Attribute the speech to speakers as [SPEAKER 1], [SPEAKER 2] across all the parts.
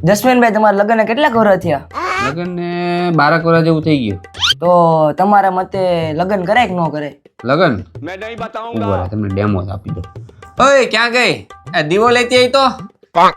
[SPEAKER 1] જસ્મીનભાઈ તમારા લગ્ન કેટલા વર્ષ થયા?
[SPEAKER 2] લગ્ન ને 12 વર્ષ જેવું થઈ ગયું.
[SPEAKER 1] તો તમારા મતે લગ્ન કરાય કે ન કરાય?
[SPEAKER 2] લગ્ન મેં નહીં બતાઉંગા. તમને ડેમો આપી દો. ઓય ક્યાં ગઈ? આ દીવો લેતી આવી તો હા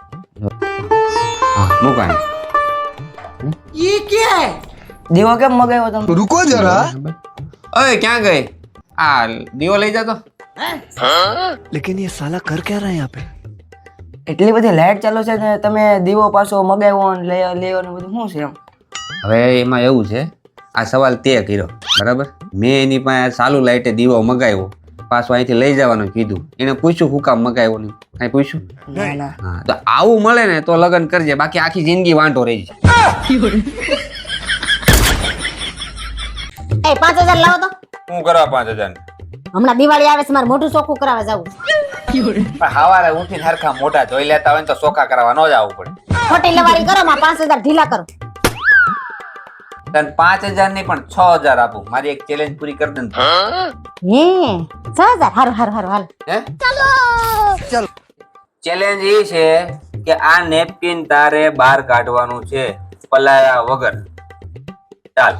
[SPEAKER 2] મુકાય.
[SPEAKER 1] ये क्या है? દીવો કેમ મગાવ્યો તમે?
[SPEAKER 3] रुको जरा।
[SPEAKER 2] ઓય ક્યાં ગઈ? આ દીવો લઈ જા તો.
[SPEAKER 3] लेकिन ये साला कर क्या रहा है यहाँ पे?
[SPEAKER 1] એટલી બધી લાઈટ ચાલુ છે ને તમે દીવો પાછો મગાવ્યો ને લેવાનું બધું શું છે એમ?
[SPEAKER 2] હવે એમાં એવું છે, આ સવાલ તે કર્યો બરાબર. મેં એની પાસે ચાલુ લાઈટે દીવો મગાવ્યો, પાછો અહીંથી લઈ જવાનું કીધું. એને પૂછ્યું હું કામ મગાવ્યો નહીં, કાંઈ પૂછ્યું?
[SPEAKER 1] ના ના.
[SPEAKER 2] હા તો આવું મળે ને તો લગ્ન કરજે, બાકી આખી જિંદગી વાંઢો રહી જાય.
[SPEAKER 4] એ 5000 લાવો તો.
[SPEAKER 2] હું કરવા 5000?
[SPEAKER 4] હમણાં દિવાળી આવે છે, મારે મોઢું ચોખ્ખું કરાવવા જાવું છે.
[SPEAKER 2] સવારે ઉઠીને હરખા મોઢા ધોઈ લેતા હોય ને તો ચોખા કરવા ન જવું પડે.
[SPEAKER 4] ખોટી લવારી કરો, માં 5000 ઢીલા કરો.
[SPEAKER 2] તને 5000 નહીં પણ 6000 આપું. મારી એક ચેલેન્જ પૂરી કરી દે ને.
[SPEAKER 4] હે 6000 હારું હારું હારું હાલ.
[SPEAKER 2] હે ચલો. ચેલેન્જ એ છે કે આ નેપકિન તારે બહાર કાઢવાનું છે પલાળ્યા વગર. ચાલ.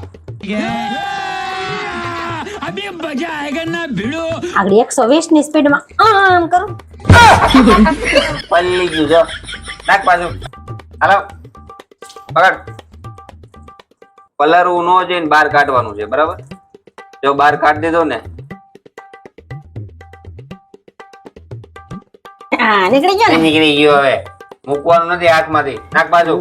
[SPEAKER 4] આગળ 120 ની સ્પીડ માં આમ કરું.
[SPEAKER 2] પલ્લી ગયું જો. નાખ પાછું. હાલો પકડ. પલાળવું ન જઈને બહાર કાઢવાનું છે બરાબર. જો બહાર કાઢી દીધો ને
[SPEAKER 4] હા નીકળી ગયો ને.
[SPEAKER 2] નીકળી ગયો. હવે મૂકવાનું નથી હાથમાંથી. નાખ પાછું.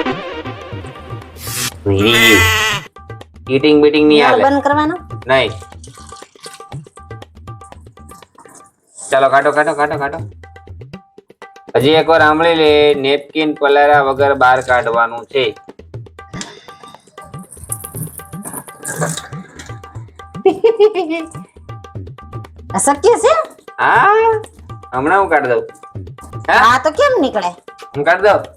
[SPEAKER 2] હીટિંગ બીટિંગ નહીં હાલે.
[SPEAKER 4] બંધ કરવાનો
[SPEAKER 2] નહીં. ચાલો કાઢો કાઢો કાઢો કાઢો. હજી એકવાર સાંભળી લે. નેપકિન પલાળ્યા વગર બહાર કાઢવાનું છે.
[SPEAKER 4] અશક્ય છે.
[SPEAKER 2] હા હમણાં હું કાઢી દઉં.
[SPEAKER 4] હા તો કેમ નીકળે?
[SPEAKER 2] હું કાઢી દઉં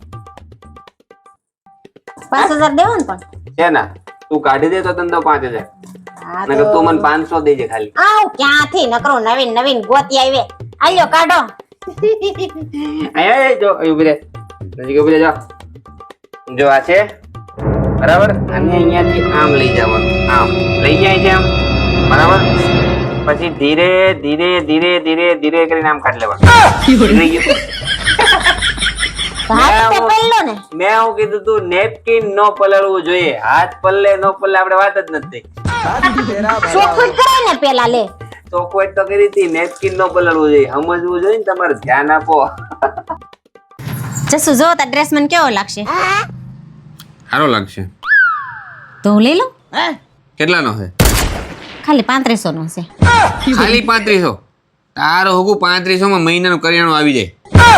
[SPEAKER 4] 5000 દેવો ને પણ.
[SPEAKER 2] છે ના. તું કાઢી દે તો તને દઉં 5000.
[SPEAKER 4] હા
[SPEAKER 2] નકર તું મને 500 દેજે ખાલી.
[SPEAKER 4] આવ ક્યાંથી નકરો નવીન નવીન ગોતી આવે. આલ્યો કાઢો.
[SPEAKER 2] આય જો ઉભી રહે. નજીક ઉભી રહે. જો જો આ છે બરાબર. અને અહીંયાથી આમ લઈ જવાનું. આમ લઈ જાય છે આમ બરાબર. પછી ધીરે ધીરે ધીરે ધીરે ધીરે કરીને આમ કાઢી લેવાનું. નીકળી ગયું.
[SPEAKER 4] હાથ તે પહેલો ને.
[SPEAKER 2] મેં હું કીધું તું નેપકિન નો પલળવું જોઈએ. હાથ પલ્લે નો પલ્લે આપણે વાત જ નથી.
[SPEAKER 4] ચોખ્ખું જ કરાય ને પેલા લે.
[SPEAKER 2] તો કોઈ તો કરી હતી. નેપકિન નો પલળવું જોઈએ. સમજવું જોઈએ ને તમારે. ધ્યાન આપો.
[SPEAKER 4] જસુ જો તા ડ્રેસ મને કેવો લાગશે?
[SPEAKER 2] સારો લાગશે.
[SPEAKER 4] તો હું લઈ લઉં.
[SPEAKER 2] કેટલાનો છે?
[SPEAKER 4] ખાલી 3500 નો છે.
[SPEAKER 2] ખાલી 3500? તારો હોગું 3500 માં મહિનાનું કરિયાણું આવી જાય.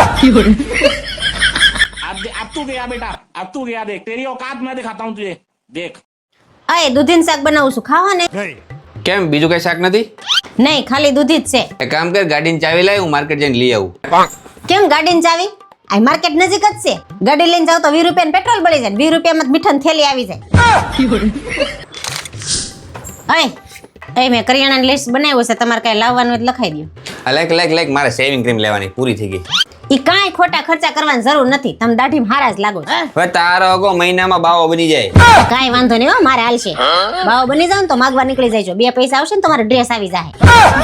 [SPEAKER 5] अब तू गया बेटा, अब तू गया। देख तेरी औकात मैं दिखाता हूँ तुझे। देख
[SPEAKER 4] અય દૂધીનું શાક બનાવું છું, ખાવા ને?
[SPEAKER 2] કેમ બીજું કઈ શાક નથી?
[SPEAKER 4] નહીં ખાલી દૂધી જ છે.
[SPEAKER 2] એક કામ કર, ગાડીની ચાવી લાય, હું માર્કેટ જઈને લઈ આવું.
[SPEAKER 4] કેમ ગાડીની ચાવી? આ માર્કેટ નજીક જ છે. ગાડી લઈને જાવ તો 20 રૂપિયાનું પેટ્રોલ બળી જાય. 20 રૂપિયામાં જ મીઠાની થેલી આવી જાય. અય મેં કરિયાણાની લિસ્ટ બનાવ્યું છે. તમારે કઈ લાવવાનું હોય તો લખાઈ દો.
[SPEAKER 2] લાઈક મારે સેવિંગ ક્રીમ લેવાની પૂરી થઈ ગઈ.
[SPEAKER 4] ઈ કાંઈ ખોટા ખર્ચા કરવાની જરૂર નથી. તમે દાઢીમાં હારા જ લાગો છો.
[SPEAKER 2] હવે તારો હોગો મહિનામાં બાવો બની જાય.
[SPEAKER 4] કાંઈ વાંધો નહીં હો, મારે હાલશે. બાવો બની જાવ ને તો માગવા નીકળી જાય. 2 પૈસા આવશે ને તમારો ડ્રેસ આવી જાય.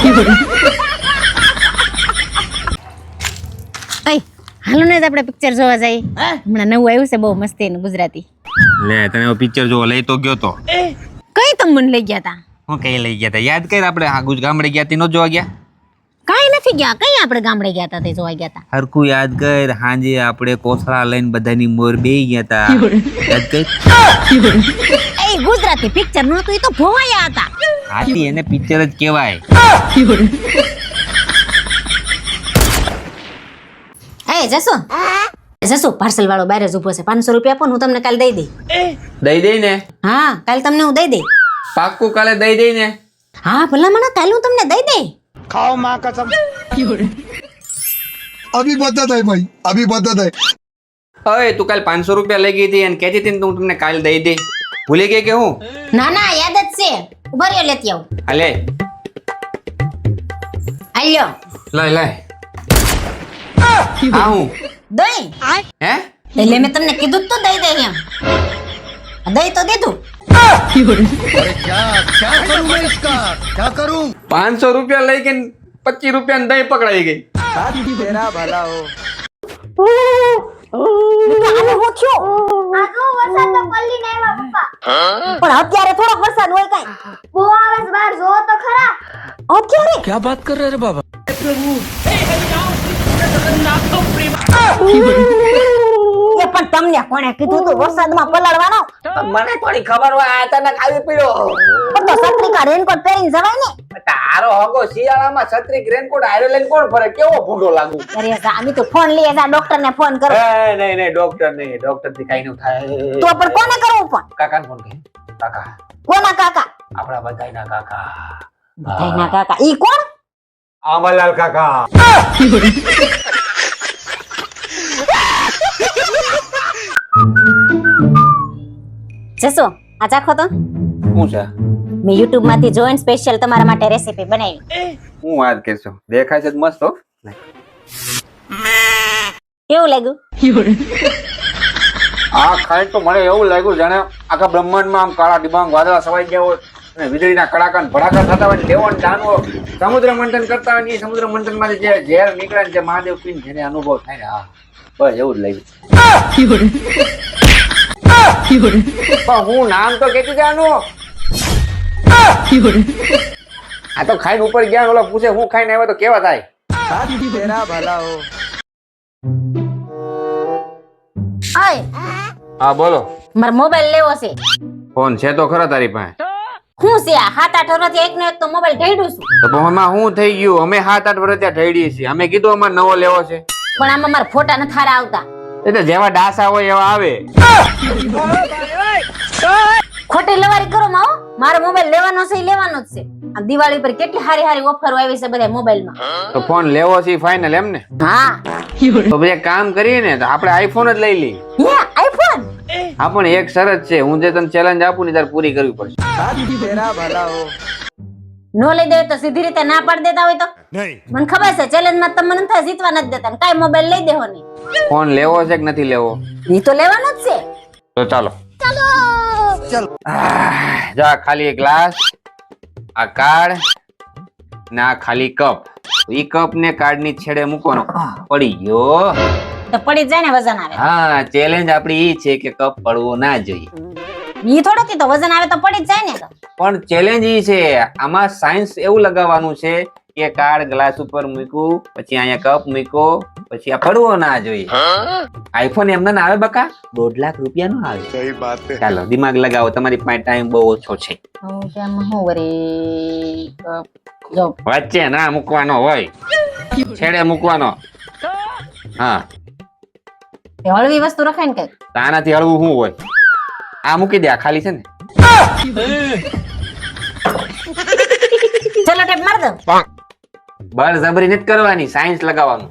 [SPEAKER 4] અય હાલો ને આપણે પિક્ચર જોવા જઈએ. હમણાં નવું આવ્યું છે બહુ મસ્ત એનું ગુજરાતી.
[SPEAKER 2] લે તને પિક્ચર જોવા લઈ તો ગયો તો.
[SPEAKER 4] કઈ તમે મને લઈ ગયા તા?
[SPEAKER 2] હું કઈ લઈ ગયા તા યાદ કર. આપણે આ ગામડે ગયા તી નો જોવા ગયા?
[SPEAKER 4] કાંઈ નથી ગયા. કઈ આપણે ગામડે ગયા તા તે જોવા ગયા તા?
[SPEAKER 2] હરકું યાદ કર. હાંજે આપણે કોથળા લઈને બધાની મોર બેહી ગયા તા. યાદ કર.
[SPEAKER 4] એ ગુજરાતી પિક્ચર નહોતું, એ તો ભોવાયા હતા.
[SPEAKER 2] હાથી એને પિક્ચર જ કહેવાય.
[SPEAKER 4] એ જસુ પાર્સલ વાળો બહાર જ ઊભો છે. 500 રૂપિયા આપો ને હું તમને કાલે દઈ દઈ.
[SPEAKER 2] દઈ દઈ ને?
[SPEAKER 4] હા કાલે તમને હું દઈ દઈ.
[SPEAKER 2] પાક્કું કાલે દઈ દઈ ને?
[SPEAKER 4] હા ભલા મને કાલે હું તમને દઈ દઈ.
[SPEAKER 5] खाओ माँ कसम।
[SPEAKER 3] अभी बदत है भाई, अभी बदत है।
[SPEAKER 2] હવે તું કાલ 500 રૂપિયા લઈ ગઈ હતી અને કહેતી હતી ને તું તમને કાલ દઈ દે. ભૂલી ગઈ કે હું?
[SPEAKER 4] ના ના યાદ જ છે. ઉભા રહ્યો લેતી આવું.
[SPEAKER 2] હાલે
[SPEAKER 4] આલ્યો
[SPEAKER 2] લાય લાય. આ હું
[SPEAKER 4] દહીં.
[SPEAKER 2] હે
[SPEAKER 4] એટલે મેં તમને કીધું જ તો દઈ દે એમ દઈ તો દીધું
[SPEAKER 2] 500 રૂપિયા લઈ કે 25 રૂપિયા દહીં પકડાઈ ગઈ.
[SPEAKER 4] આનું શું થયું? પણ અત્યારે થોડોક વરસાદ હોય કાંઈ
[SPEAKER 6] બહુ આવે છે બહાર જો તો ખરા.
[SPEAKER 4] અત્યારે
[SPEAKER 3] क्या बात कर रहे हैं रे बाबा?
[SPEAKER 4] એ પણ તમને કોણે કીધું તું વરસાદમાં પલળવાનો?
[SPEAKER 1] મને થોડી ખબર હોય અચાનક આવી પડ્યો.
[SPEAKER 4] પણ તો છત્રી કા રેનકોટ પહેરીને જવાય ને.
[SPEAKER 1] તારો હગો શિયાળામાં છત્રી રેનકોટ હારે લઈને કોણ ફરે? કેવો ભૂંડો લાગુ.
[SPEAKER 4] અરે સામી તો ફોન લઈએ જા ડોક્ટર ને ફોન કરો.
[SPEAKER 1] નહીં ડોક્ટર નહીં, ડોક્ટર થી કઈ ન થાય.
[SPEAKER 4] તો પણ કોને કરવું ફોન?
[SPEAKER 1] કાકાને ફોન કરી. કાકા,
[SPEAKER 4] કોના કાકા?
[SPEAKER 1] આપણા બધાયના કાકા.
[SPEAKER 4] બધાયના કાકા. ઈ કોણ?
[SPEAKER 1] આમલાલ કાકા.
[SPEAKER 4] જસો આ ચાખો તો.
[SPEAKER 2] શું છે?
[SPEAKER 4] મેં YouTube માંથી જોઈન સ્પેશિયલ તમારા માટે રેસીપી બનાવી.
[SPEAKER 2] હું વાત કરશો? દેખાય છે તો મસ્ત હો.
[SPEAKER 4] કેવું લાગ્યું?
[SPEAKER 2] આ ખાઈ તો મને એવું લાગ્યું જાણે આખા બ્રહ્માંડમાં આમ કાળા ડિબાંગ વાદળા સવાઈ ગયા હોય અને વીજળીના કડાકા ને ભડાકા થતા હોય, લેવો ને દાનવો સમુદ્ર મંથન કરતા હોય ને એ સમુદ્ર મંથન માંથી જે ઝેર નીકળે ને જે મહાદેવ પીને જેને અનુભવ થાય ને, હા બસ એવું જ લાગ્યું. પણ હું નામ તો કેતી જાનું. આ તો ખાઈને ઉપર ગયા ઓલા પૂછે હું ખાઈને આવ્યો તો કેવા થાય?
[SPEAKER 4] ઓય
[SPEAKER 2] હા બોલો.
[SPEAKER 4] મારો મોબાઈલ લેવો છે.
[SPEAKER 2] ફોન છે તો ખરા તારી પાસે?
[SPEAKER 4] હું છે આ 7-8 વર્ષથી એકનો એક તો મોબાઈલ ઢેડું છું.
[SPEAKER 2] તો પણ એમાં શું થઈ ગયું? અમે 7-8 વર્ષ ત્યાં ઠેડીએ છીએ. અમે કીધું અમારે નવો લેવો છે.
[SPEAKER 4] પણ આમાં મારા ફોટા નથી હારા આવતા.
[SPEAKER 2] એ તો જેવા ડાસા હોય એવા આવે.
[SPEAKER 4] ખોટી લવારી કરો માવો. મારો મોબાઈલ લેવાનો છે ઈ લેવાનો જ છે. આ દિવાળી પર કેટલી હારી હારી ઓફરો આવી છે બધા મોબાઈલમાં.
[SPEAKER 2] તો ફોન લેવો છે ફાઇનલ એમ ને?
[SPEAKER 4] હા
[SPEAKER 2] તો પછી એક કામ કરીએ ને, તો આપણે આઈફોન જ લઈ લઈએ.
[SPEAKER 4] હે આઈફોન?
[SPEAKER 2] હા પણ એક શરત છે, હું જે તને ચેલેન્જ આપું ને તારે પૂરી કરવી પડશે.
[SPEAKER 4] નો લઈ દે તો સીધી રીતે ના પાડી દેતા હોય તો? મને ખબર છે ચેલેન્જ માં તમને નથી જીતવા નથી દેતા ને કાઈ મોબાઈલ લઈ દેવો નહીં.
[SPEAKER 2] ફોન લેવો છે કે નથી લેવો?
[SPEAKER 4] ઈ તો લેવાનો જ છે.
[SPEAKER 2] તો ચાલો. જા ખાલી એક ગ્લાસ, આ કાર્ડ ને આ ખાલી કપ. ઈ કપ ને કાર્ડ ની છેડે મૂકવાનો. પડી ગયો.
[SPEAKER 4] તો પડી જ જાય ને વજન આવે.
[SPEAKER 2] હા ચેલેન્જ આપડી ઈ છે કે કપ પડવો ના જોઈએ.
[SPEAKER 4] ઈ થોડો કે તો વજન આવે તો પડી જ જાય ને. તો
[SPEAKER 2] પણ ચેલેન્જ ઈ છે, આમાં સાયન્સ એવું લગાવવાનું છે કે કાર્ડ ગ્લાસ ઉપર મૂક્યું, પછી અહીંયા કપ મૂક્યો, પછી આ પડવો ના જોઈએ. આઈફોન એમને ના આવે બકા, 2.5 લાખ રૂપિયા નો આવે. સહી વાત છે. ચાલો દિમાગ લગાવો, તમારી પાસે ટાઈમ બહુ ઓછો છે.
[SPEAKER 4] કેમ હું વરી જો
[SPEAKER 2] વચ્ચે ના મૂકવાનો હોય, છેડે મૂકવાનો. હા
[SPEAKER 4] તે હળવી વસ્તુ રખાય ને કઈક.
[SPEAKER 2] આનાથી હળવું શું હોય? આ મૂકી દે, આ ખાલી છે ને.
[SPEAKER 4] ચલો ટેપ માર દો.
[SPEAKER 2] બળજબરી નથી કરવાની, સાયન્સ લગાવવાનું.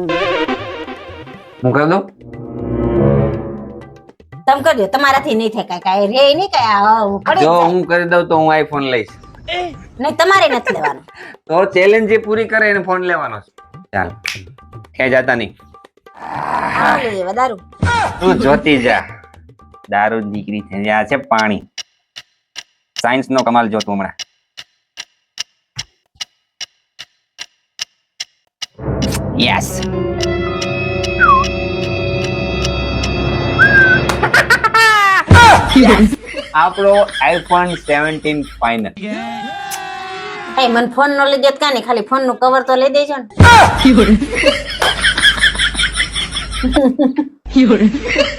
[SPEAKER 2] હું કરી દઉં?
[SPEAKER 4] તમે કરજો, તમારાથી નહીં થાય કાઈ રે નહીં કાઈ પડી
[SPEAKER 2] જો
[SPEAKER 4] જાય.
[SPEAKER 2] હું કરી દઉં તો હું આઈફોન લઈશ.
[SPEAKER 4] નહીં તમારે નથી લેવાનું.
[SPEAKER 2] તો ચેલેન્જ જે પૂરી કરે એને ફોન લેવાનો છે. ચાલ ખેંચાતા નહીં.
[SPEAKER 4] આવડી જાય દારૂ.
[SPEAKER 2] તું જોતી જા, દારૂ દીકરી થઈ આ છે પાણી. સાયન્સ નો કમાલ જો તું હમણાં. યસ આપણો આઈફોન 17 ફાઇનલ.
[SPEAKER 4] એ મને ફોન નો લઈ દેત કાની, ખાલી ફોન નું કવર તો લઈ દેજો ને.